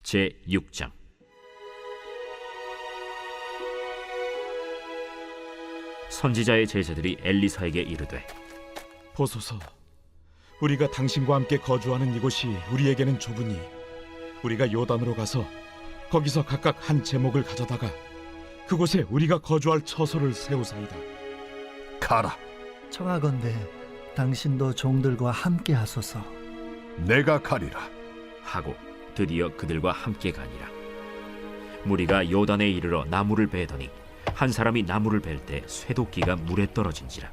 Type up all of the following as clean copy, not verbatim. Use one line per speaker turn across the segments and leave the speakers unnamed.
제6장. 선지자의 제자들이 엘리사에게 이르되,
보소서, 우리가 당신과 함께 거주하는 이곳이 우리에게는 좁으니 우리가 요단으로 가서 거기서 각각 한 제목을 가져다가 그곳에 우리가 거주할 처소를 세우사이다.
가라.
청하건대 당신도 종들과 함께 하소서.
내가 가리라.
하고 드디어 그들과 함께 가니라. 무리가 요단에 이르러 나무를 베더니 한 사람이 나무를 벨 때 쇠도끼가 물에 떨어진지라.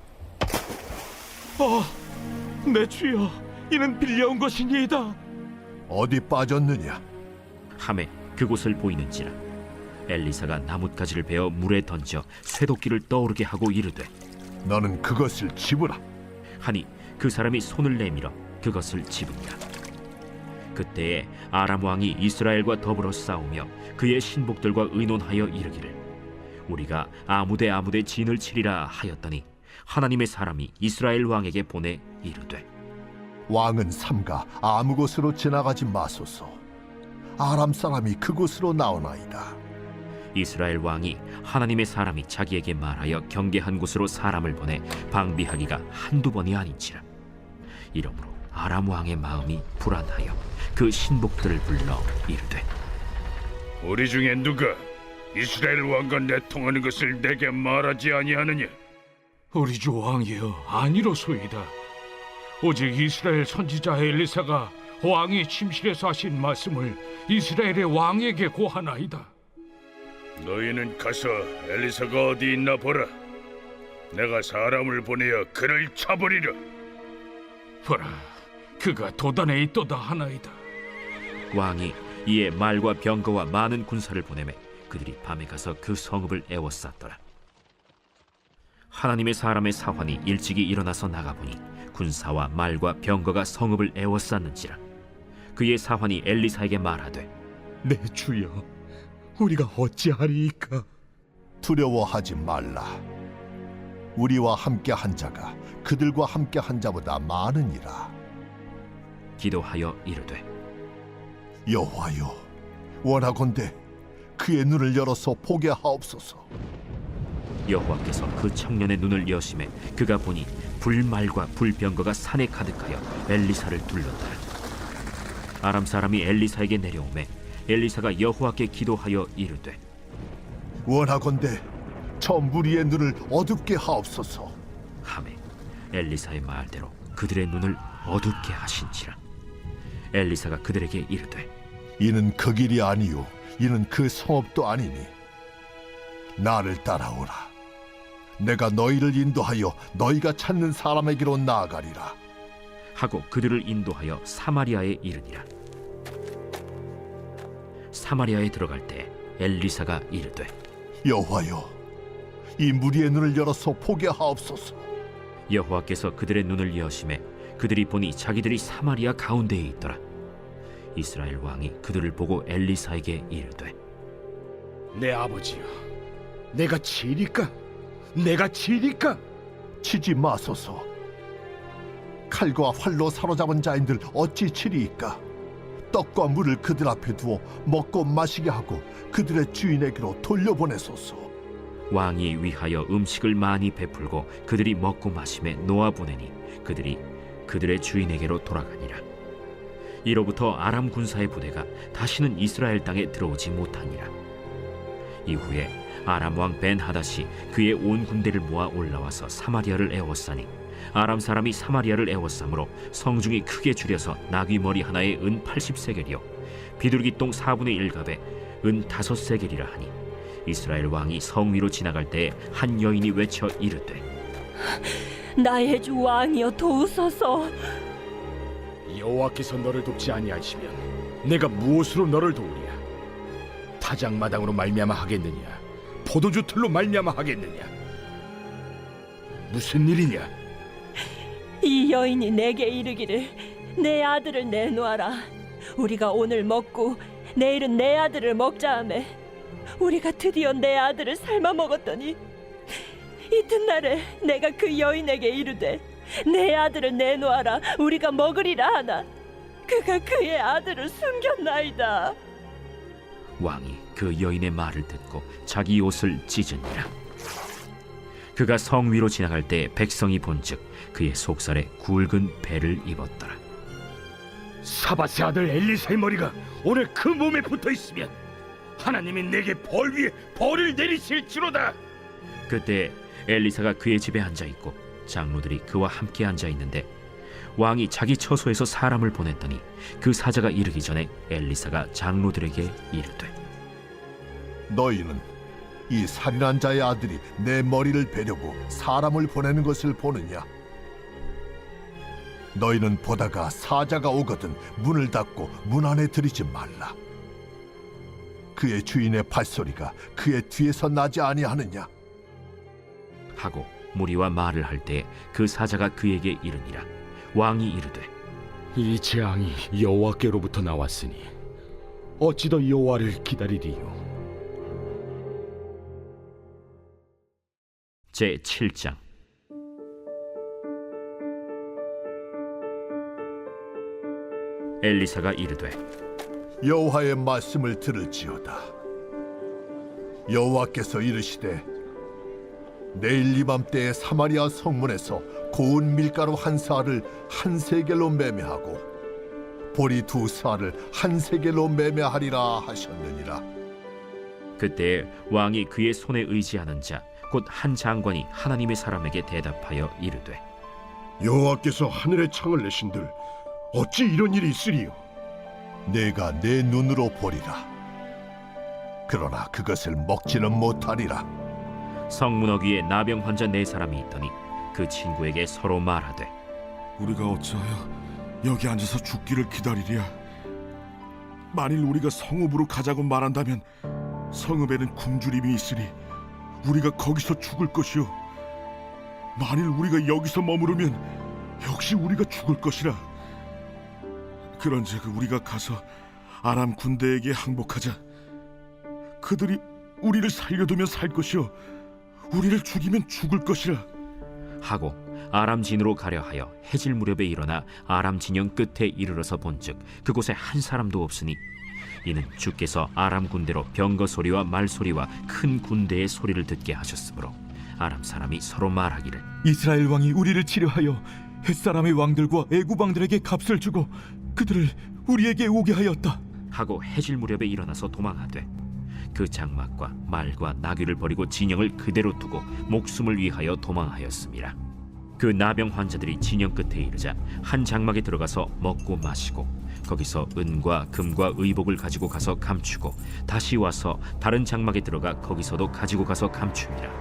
내 주여, 이는 빌려온 것이니이다.
어디 빠졌느냐?
하매 그곳을 보이는지라. 엘리사가 나뭇가지를 베어 물에 던져 쇠도끼를 떠오르게 하고 이르되,
너는 그것을 집으라.
하니 그 사람이 손을 내밀어 그것을 집으니라. 그때에 아람 왕이 이스라엘과 더불어 싸우며 그의 신복들과 의논하여 이르기를, 우리가 아무데 진을 치리라 하였더니 하나님의 사람이 이스라엘 왕에게 보내 이르되,
왕은 삼가 아무 곳으로 지나가지 마소서. 아람 사람이 그곳으로 나오나이다.
이스라엘 왕이 하나님의 사람이 자기에게 말하여 경계한 곳으로 사람을 보내 방비하기가 한두 번이 아닌지라. 이러므로 아람 왕의 마음이 불안하여 그 신복들을 불러 이르되,
우리 중에 누가 이스라엘 왕과 내통하는 것을 내게 말하지 아니하느냐?
우리 주 왕이여, 아니로소이다. 오직 이스라엘 선지자 엘리사가 왕이 침실에서 하신 말씀을 이스라엘의 왕에게 고하나이다.
너희는 가서 엘리사가 어디 있나 보라. 내가 사람을 보내어 그를 쳐버리려.
보라, 그가 도단에 있도다 하나이다.
왕이 이에 말과 병거와 많은 군사를 보내매 그들이 밤에 가서 그 성읍을 에워쌌더라. 하나님의 사람의 사환이 일찍이 일어나서 나가보니 군사와 말과 병거가 성읍을 에워쌌는지라. 그의 사환이 엘리사에게 말하되,
내 주여, 우리가 어찌하리이까?
두려워하지 말라. 우리와 함께 한 자가 그들과 함께 한 자보다 많으니라.
기도하여 이르되,
여호와여, 원하건대 그의 눈을 열어서 보게 하옵소서.
여호와께서 그 청년의 눈을 여심해 그가 보니 불말과 불병거가 산에 가득하여 엘리사를 둘렀더라. 아람 사람이 엘리사에게 내려오매 엘리사가 여호와께 기도하여 이르되,
원하건대 저 무리의 눈을 어둡게 하옵소서.
하매 엘리사의 말대로 그들의 눈을 어둡게 하신지라. 엘리사가 그들에게 이르되,
이는 그 길이 아니요 이는 그 성읍도 아니니 나를 따라오라. 내가 너희를 인도하여 너희가 찾는 사람에게로 나아가리라.
하고 그들을 인도하여 사마리아에 이르니라. 사마리아에 들어갈 때 엘리사가 이르되,
여호와여, 이 무리의 눈을 열어서 보게 하옵소서.
여호와께서 그들의 눈을 여심해 그들이 보니 자기들이 사마리아 가운데에 있더라. 이스라엘 왕이 그들을 보고 엘리사에게 이르되,
내 아버지여, 내가 치리까? 내가 치리까?
치지 마소서. 칼과 활로 사로잡은 자인들 어찌 치리이까? 떡과 물을 그들 앞에 두어 먹고 마시게 하고 그들의 주인에게로 돌려보내소서.
왕이 위하여 음식을 많이 베풀고 그들이 먹고 마심에 놓아보내니 그들이 그들의 주인에게로 돌아가니라. 이로부터 아람 군사의 부대가 다시는 이스라엘 땅에 들어오지 못하니라. 이후에 아람 왕 벤하닷이 그의 온 군대를 모아 올라와서 사마리아를 에워싸니 아람 사람이 사마리아를 에워싸므로 성중이 크게 줄여서 나귀 머리 하나에 은 80세겔이요 비둘기 똥 4분의 1갑에 은 5세겔이라 하니, 이스라엘 왕이 성 위로 지나갈 때에 한 여인이 외쳐 이르되,
나의 주 왕이여, 도우소서.
여호와께서 너를 돕지 아니하시면 내가 무엇으로 너를 도우랴? 타작마당으로 말미암아 하겠느냐? 포도주 틀로 말미암아 하겠느냐? 무슨 일이냐?
이 여인이 내게 이르기를, 내 아들을 내놓아라. 우리가 오늘 먹고 내일은 내 아들을 먹자 하매 우리가 드디어 내 아들을 삶아 먹었더니 이튿날에 내가 그 여인에게 이르되 내 아들을 내놓아라 우리가 먹으리라 하나 그가 그의 아들을 숨겼나이다.
왕이 그 여인의 말을 듣고 자기 옷을 찢으니라. 그가 성 위로 지나갈 때 백성이 본즉 그의 속살에 굵은 배를 입었더라.
사밧의 아들 엘리사의 머리가 오늘 그 몸에 붙어 있으면 하나님이 내게 벌 위에 벌을 내리실지로다.
그때 엘리사가 그의 집에 앉아 있고 장로들이 그와 함께 앉아 있는데 왕이 자기 처소에서 사람을 보냈더니 그 사자가 이르기 전에 엘리사가 장로들에게 이르되
너희는 이 살인한 자의 아들이 내 머리를 베려고 사람을 보내는 것을 보느냐? 너희는 보다가 사자가 오거든 문을 닫고 문 안에 들이지 말라. 그의 주인의 발소리가 그의 뒤에서 나지 아니하느냐?
하고 무리와 말을 할 때 그 사자가 그에게 이르니라. 왕이 이르되
이 재앙이 여호와께로부터 나왔으니 어찌 더 여호와를 기다리리요?
제 7장. 엘리사가 이르되
여호와의 말씀을 들을지어다. 여호와께서 이르시되 내일 이맘때에 사마리아 성문에서 고운 밀가루 한 사를 한 세겔로 매매하고 보리 두 사를 한 세겔로 매매하리라 하셨느니라.
그때 왕이 그의 손에 의지하는 자 곧 한 장관이 하나님의 사람에게 대답하여 이르되
여호와께서 하늘의 창을 내신들 어찌 이런 일이 있으리요?
내가 내 눈으로 보리라. 그러나 그것을 먹지는 못하리라.
성문허 위에 나병 환자 4사람이 있더니 그 친구에게 서로 말하되
우리가 어찌하여 여기 앉아서 죽기를 기다리랴? 만일 우리가 성읍으로 가자고 말한다면 성읍에는 굶주림이 있으니 우리가 거기서 죽을 것이요, 만일 우리가 여기서 머무르면 역시 우리가 죽을 것이라. 그런즉 우리가 가서 아람 군대에게 항복하자. 그들이 우리를 살려두면 살 것이요 우리를 죽이면 죽을 것이라.
하고 아람 진으로 가려 하여 해질 무렵에 일어나 아람 진영 끝에 이르러서 본즉 그곳에 한 사람도 없으니 이는 주께서 아람 군대로 병거 소리와 말 소리와 큰 군대의 소리를 듣게 하셨으므로 아람 사람이 서로 말하기를
이스라엘 왕이 우리를 치료하여 햇사람의 왕들과 애굽 왕들에게 값을 주고 그들을 우리에게 오게 하였다
하고 해질 무렵에 일어나서 도망하되 그 장막과 말과 나귀를 버리고 진영을 그대로 두고 목숨을 위하여 도망하였습니다. 그 나병 환자들이 진영 끝에 이르자 한 장막에 들어가서 먹고 마시고 거기서 은과 금과 의복을 가지고 가서 감추고 다시 와서 다른 장막에 들어가 거기서도 가지고 가서 감춥니다.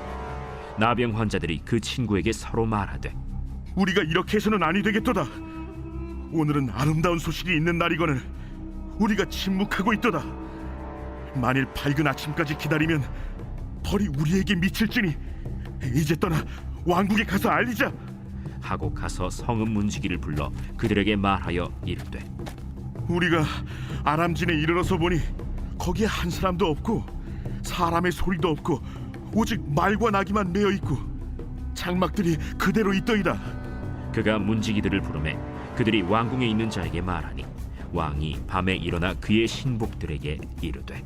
나병 환자들이 그 친구에게 서로 말하되
우리가 이렇게 해서는 아니 되겠도다. 오늘은 아름다운 소식이 있는 날이거늘 우리가 침묵하고 있도다. 만일 밝은 아침까지 기다리면 벌이 우리에게 미칠지니 이제 떠나 왕국에 가서 알리자.
하고 가서 성읍 문지기를 불러 그들에게 말하여 이르되
우리가 아람진에 이르러서 보니 거기에 한 사람도 없고 사람의 소리도 없고 오직 말과 나귀만 메어 있고 장막들이 그대로 있더이다.
그가 문지기들을 부르매 그들이 왕궁에 있는 자에게 말하니 왕이 밤에 일어나 그의 신복들에게 이르되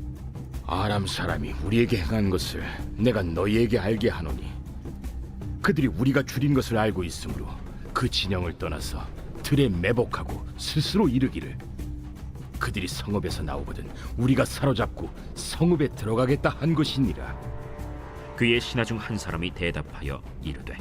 아람 사람이 우리에게 행한 것을 내가 너희에게 알게 하노니 그들이 우리가 줄인 것을 알고 있으므로 그 진영을 떠나서 들에 매복하고 스스로 이르기를 그들이 성읍에서 나오거든 우리가 사로잡고 성읍에 들어가겠다 한 것이니라.
그의 신하 중 한 사람이 대답하여 이르되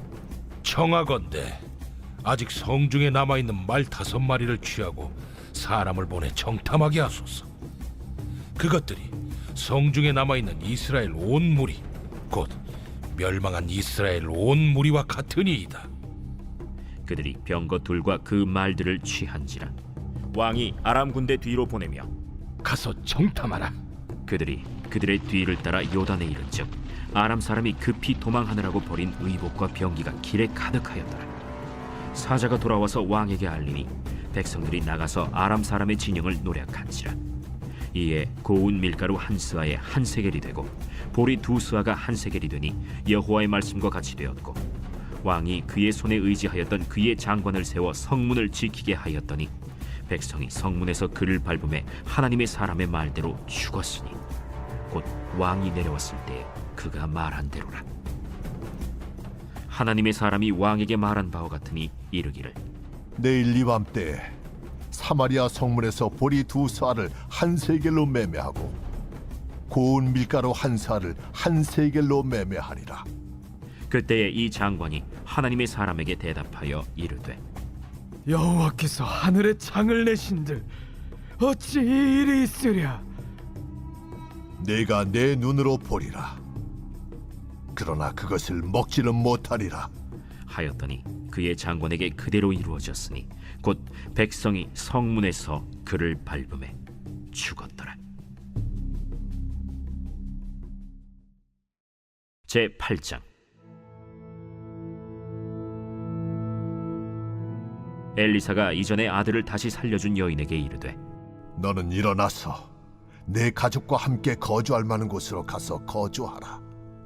청하건대 아직 성중에 남아있는 말 5마리를 취하고 사람을 보내 정탐하게 하소서. 그것들이 성중에 남아있는 이스라엘 온 무리 곧 멸망한 이스라엘 온 무리와 같으니이다.
그들이 병거 둘과 그 말들을 취한지라 왕이 아람 군대 뒤로 보내며
가서 정탐하라.
그들이 그들의 뒤를 따라 요단에 이른즉 아람 사람이 급히 도망하느라고 버린 의복과 병기가 길에 가득하였더라. 사자가 돌아와서 왕에게 알리니 백성들이 나가서 아람 사람의 진영을 노략한지라. 이에 고운 밀가루 한 스아에 한 세겔이 되고 보리 2스아가 한 세겔이 되니 여호와의 말씀과 같이 되었고 왕이 그의 손에 의지하였던 그의 장관을 세워 성문을 지키게 하였더니 백성이 성문에서 그를 밟음에 하나님의 사람의 말대로 죽었으니 곧 왕이 내려왔을 때 그가 말한 대로라. 하나님의 사람이 왕에게 말한 바와 같으니 이르기를
내일 이밤 때 사마리아 성문에서 보리 2사를 한 세겔로 매매하고 고운 밀가루 1사를 한 세겔로 매매하리라.
그때에 이 장관이 하나님의 사람에게 대답하여 이르되
여호와께서 하늘에 창을 내신들 어찌 이 일이 있으랴?
내가 내 눈으로 보리라. 그러나 그것을 먹지는 못하리라.
하였더니 그의 장관에게 그대로 이루어졌으니 곧 백성이 성문에서 그를 밟음에 죽었더라. 제8장. 엘리사가 이전에 아들을 다시 살려준 여인에게 이르되
너는 일어나서 내 가족과 함께 거주할 만한 곳으로 가서 거주하라.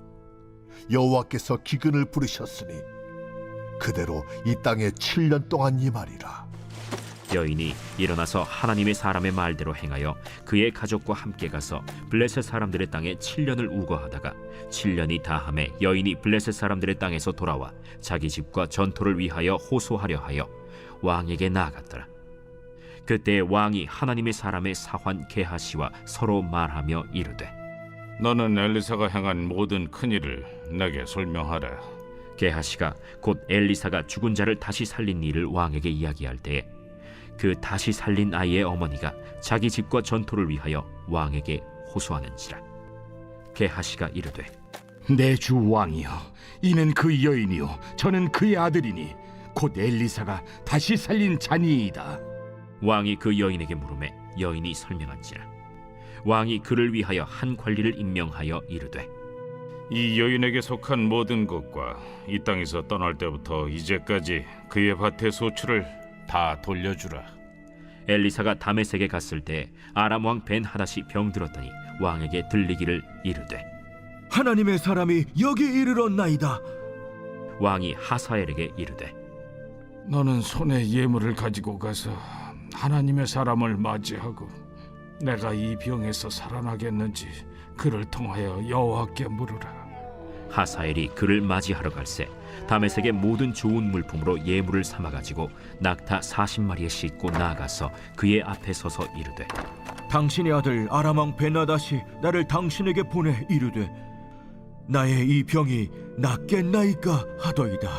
여호와께서 기근을 부르셨으니 그대로 이 땅에 7년 동안 임하리라.
여인이 일어나서 하나님의 사람의 말대로 행하여 그의 가족과 함께 가서 블레셋 사람들의 땅에 7년을 우거하다가 7년이 다함에 여인이 블레셋 사람들의 땅에서 돌아와 자기 집과 전토를 위하여 호소하려 하여 왕에게 나아갔더라. 그때 왕이 하나님의 사람의 사환 게하시와 서로 말하며 이르되
너는 엘리사가 행한 모든 큰일을 내게 설명하라.
게하시가 곧 엘리사가 죽은 자를 다시 살린 일을 왕에게 이야기할 때에 그 다시 살린 아이의 어머니가 자기 집과 전토를 위하여 왕에게 호소하는지라. 게하시가 이르되
내 주 왕이여, 이는 그 여인이요 저는 그의 아들이니 곧 엘리사가 다시 살린 자니이다.
왕이 그 여인에게 물으매 여인이 설명한지라. 왕이 그를 위하여 한 관리를 임명하여 이르되
이 여인에게 속한 모든 것과 이 땅에서 떠날 때부터 이제까지 그의 밭의 소출을 다 돌려주라.
엘리사가 다메섹에 갔을 때 아람 왕 벤하닷이 병들었더니 왕에게 들리기를 이르되
하나님의 사람이 여기 이르렀나이다.
왕이 하사엘에게 이르되
너는 손에 예물을 가지고 가서 하나님의 사람을 맞이하고 내가 이 병에서 살아나겠는지 그를 통하여 여호와께 물으라.
하사엘이 그를 맞이하러 갈새 다메섹의 모든 좋은 물품으로 예물을 삼아가지고 낙타 40마리에 싣고 나아가서 그의 앞에 서서 이르되
당신의 아들 아람 왕 벤하닷이 나를 당신에게 보내 이르되 나의 이 병이 낫겠나이까 하더이다.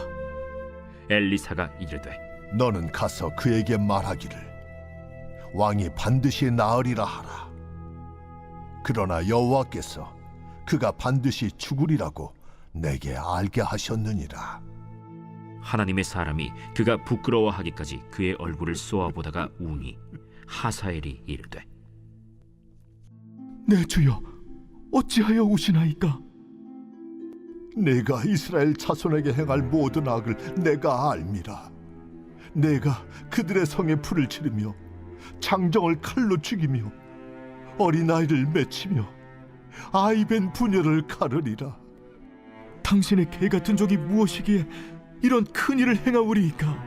엘리사가 이르되
너는 가서 그에게 말하기를 왕이 반드시 나으리라 하라. 그러나 여호와께서 그가 반드시 죽으리라고 내게 알게 하셨느니라.
하나님의 사람이 그가 부끄러워하기까지 그의 얼굴을 쏘아보다가 우니 하사엘이 이르되
내 주여, 어찌하여 우시나이까?
내가 이스라엘 자손에게 행할 모든 악을 내가 알미라. 내가 그들의 성에 불을 지르며 장정을 칼로 죽이며 어린아이를 맺히며 아이벤 부녀를 가르리라.
당신의 개 같은 적이 무엇이기에 이런 큰 일을 행하오리이까?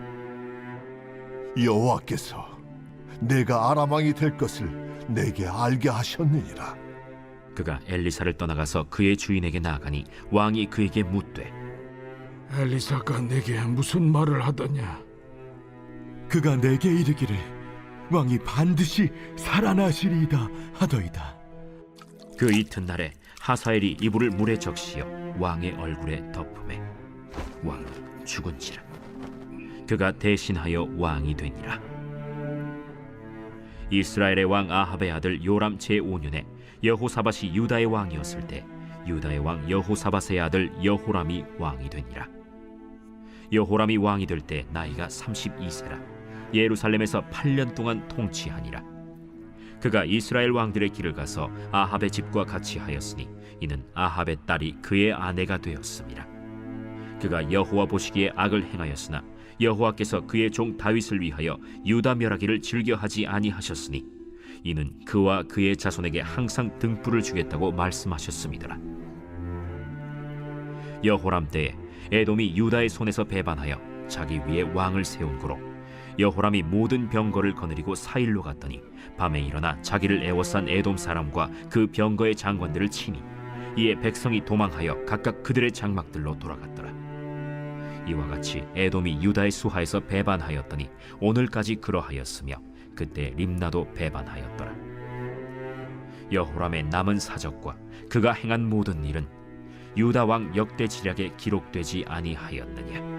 여호와께서 내가 아람 왕이 될 것을 내게 알게 하셨느니라.
그가 엘리사를 떠나가서 그의 주인에게 나아가니 왕이 그에게 묻되
엘리사가 내게 무슨 말을 하더냐?
그가 내게 이르기를 왕이 반드시 살아나시리이다 하더이다.
그 이튿날에 하사엘이 이불을 물에 적시어 왕의 얼굴에 덮음에 왕이 죽은지라. 그가 대신하여 왕이 되니라. 이스라엘의 왕 아합의 아들 요람 제5년에 여호사밧이 유다의 왕이었을 때 유다의 왕 여호사밧의 아들 여호람이 왕이 되니라. 여호람이 왕이 될 때 나이가 32세라 예루살렘에서 8년 동안 통치하니라. 그가 이스라엘 왕들의 길을 가서 아합의 집과 같이 하였으니 이는 아합의 딸이 그의 아내가 되었습니다. 그가 여호와 보시기에 악을 행하였으나 여호와께서 그의 종 다윗을 위하여 유다 멸하기를 즐겨하지 아니하셨으니 이는 그와 그의 자손에게 항상 등불을 주겠다고 말씀하셨음이더라. 여호람 때에 에돔이 유다의 손에서 배반하여 자기 위에 왕을 세운 고로 여호람이 모든 병거를 거느리고 사일로 갔더니 밤에 일어나 자기를 애워싼 에돔 사람과 그 병거의 장관들을 치니 이에 백성이 도망하여 각각 그들의 장막들로 돌아갔더라. 이와 같이 에돔이 유다의 수하에서 배반하였더니 오늘까지 그러하였으며 그때 림나도 배반하였더라. 여호람의 남은 사적과 그가 행한 모든 일은 유다 왕 역대지략에 기록되지 아니하였느냐.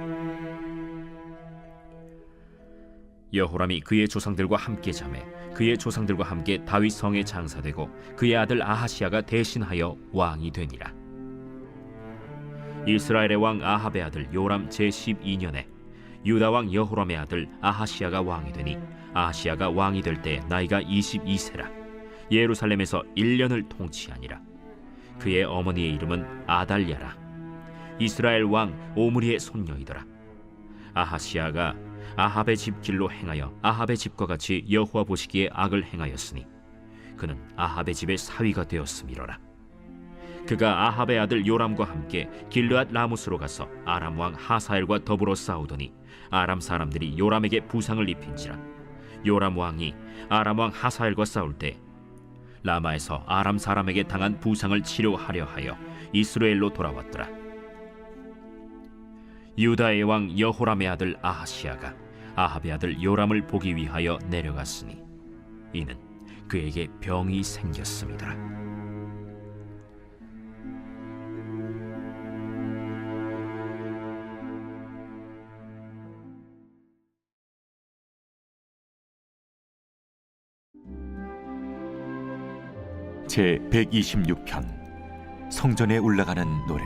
여호람이 그의 조상들과 함께 자매 그의 조상들과 함께 다윗 성에 장사되고 그의 아들 아하시아가 대신하여 왕이 되니라. 이스라엘의 왕 아합의 아들 요람 제12년에 유다 왕 여호람의 아들 아하시아가 왕이 되니 아하시아가 왕이 될 때 나이가 22세라. 예루살렘에서 1년을 통치하니라. 그의 어머니의 이름은 아달랴라. 이스라엘 왕 오므리의 손녀이더라. 아하시아가 아합의 집 길로 행하여 아합의 집과 같이 여호와 보시기에 악을 행하였으니 그는 아합의 집의 사위가 되었음이로라. 그가 아합의 아들 요람과 함께 길르앗 라무스로 가서 아람 왕 하사엘과 더불어 싸우더니 아람 사람들이 요람에게 부상을 입힌지라. 요람 왕이 아람 왕 하사엘과 싸울 때 라마에서 아람 사람에게 당한 부상을 치료하려 하여 이스라엘로 돌아왔더라. 유다의 왕 여호람의 아들 아하시아가 아합의 아들 요람을 보기 위하여 내려갔으니 이는 그에게 병이 생겼음이더라.
제 126편 성전에 올라가는 노래.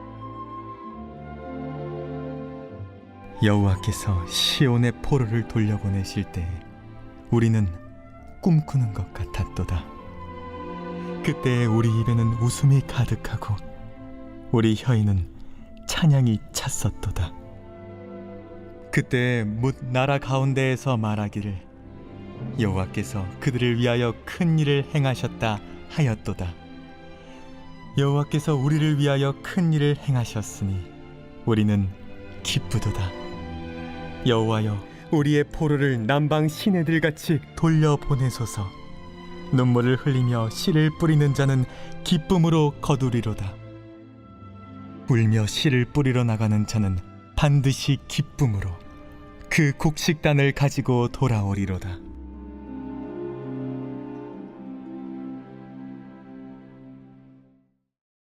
여호와께서 시온의 포로를 돌려보내실 때 우리는 꿈꾸는 것 같았도다. 그때 우리 입에는 웃음이 가득하고 우리 혀에는 찬양이 찼었도다. 그때 뭇 나라 가운데에서 말하기를 여호와께서 그들을 위하여 큰 일을 행하셨다 하였도다. 여호와께서 우리를 위하여 큰 일을 행하셨으니 우리는 기쁘도다. 여호와여, 우리의 포로를 남방 시내들같이 돌려보내소서. 눈물을 흘리며 씨를 뿌리는 자는 기쁨으로 거두리로다. 울며 씨를 뿌리러 나가는 자는 반드시 기쁨으로 그 곡식단을 가지고 돌아오리로다.